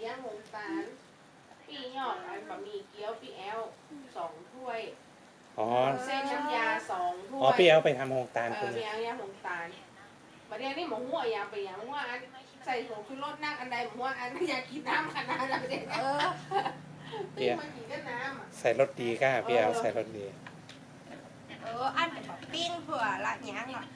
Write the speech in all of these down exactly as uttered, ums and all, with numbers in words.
ย่างหงตาลพี่ยอดอันบะหมี่เกี๊ยวพี่แอลสองถ้วยอ๋อเส้นน้ำยาสองถ้วยอ๋อพี่เอาไปทำโฮงตาลเอคุอณพี่แอลย่างหงตาลประเดี๋ยวนี้หมูหัวยางไปยางว่าอันใส่ผงชูรสนั่งอันใดหมูหัวอันอยากกินน้ำขนาดนั้นเลยเออพี่มากินก็น้ำอ่ะใส่รสดีก้าพี่เอาใส่รสดีเอออันแบบปิ้งเผื่อละหยังอ่ะ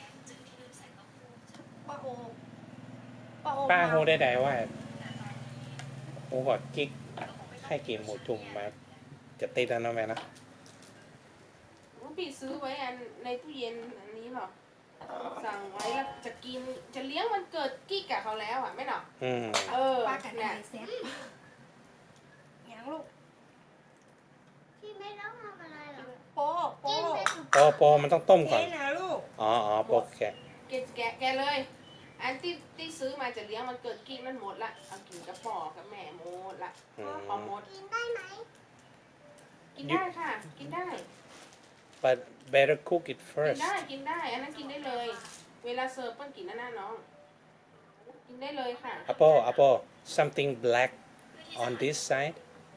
ป้าโอป้าโอป้าโฮได้ไดว่าโฮกอดกิ๊กให้กินหมูจุ่มมาจะติดแล้วนะแม่นะพี่ซื้อไว้อันในตู้เย็นอันนี้หรอสั่งไว้แล้วจะกินจะเลี้ยงวันเกิดกิ๊กกับเขาแล้วอ่ะไม่หรออืมเออป้ากันเนี่ไอย เซ็ตหยังลูกพี่ไม่ต้องทำอะไรหรอกโป๊ะกิโป๊ะนไปสุดโปโปมันต้องต้มก่อนเจ๊นะลูกอ๋ออ๋อโปกแกะแกะแกะแกะเลย อันที่ที่ซื้อมาจะเลี้ยงวันเกิดกิ๊กนั่นหมดละเอากินกับปอกับแม่หมดละอืมพอหมดกินได้ไหมกินได้ค่ะ กินได้ but better cook it กิน first ได้กินได้อันนั้นกินได้เลย เวลาเสิร์ฟเปิ้ลกินนั่นน่ะน้องกินได้เลยค่ะ apple apple something black on this side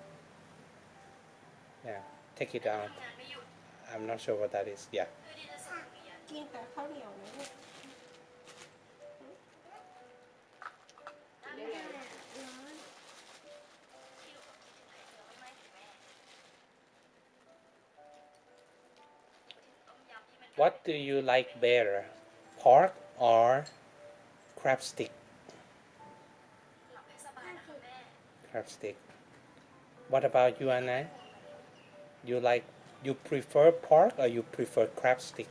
yeah take it out I'm not sure what that is yeah กินแต่ข้าวเหนียวนะลูกกินได้เลยร้อน what do you like better pork or crab stick crab stick what about you Anna you like you prefer pork or you prefer crab stick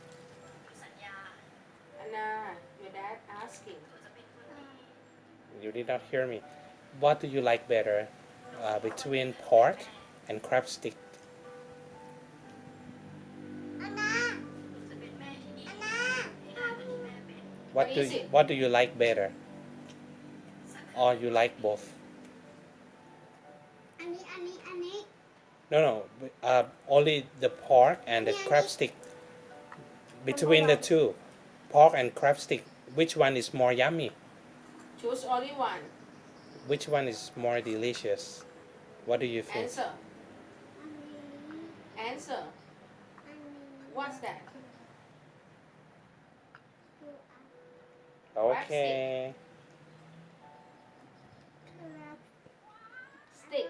Anna your dad asking you did not hear me what do you like better uh, between pork and crab stick อันนาอันนา what do you, what do you like better or you like both อันนี้อันนี้อันนี้ no no uh, only the pork and the crab stick between the two pork and crab stick which one is more yummy choose only one which one is more delicious what do you think answer อันนี้ answer อันนี้ what's that okay stick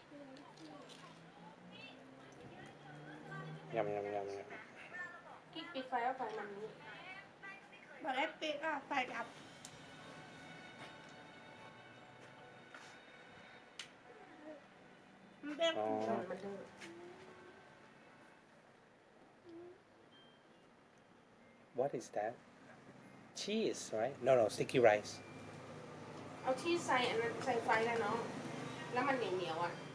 ยำยำยำยกิ๊กปิดไฟแล้วไฟมันนี้บอได้ปิดอ่ะใส่กับ มันเป็นำอ๋อมันดื้อ what is that cheese right no no sticky rice เอาชีสใส่อันนั้นใส่ไฟแล้วเนาะแล้วมันเหนียวเหนียวๆอ่ะ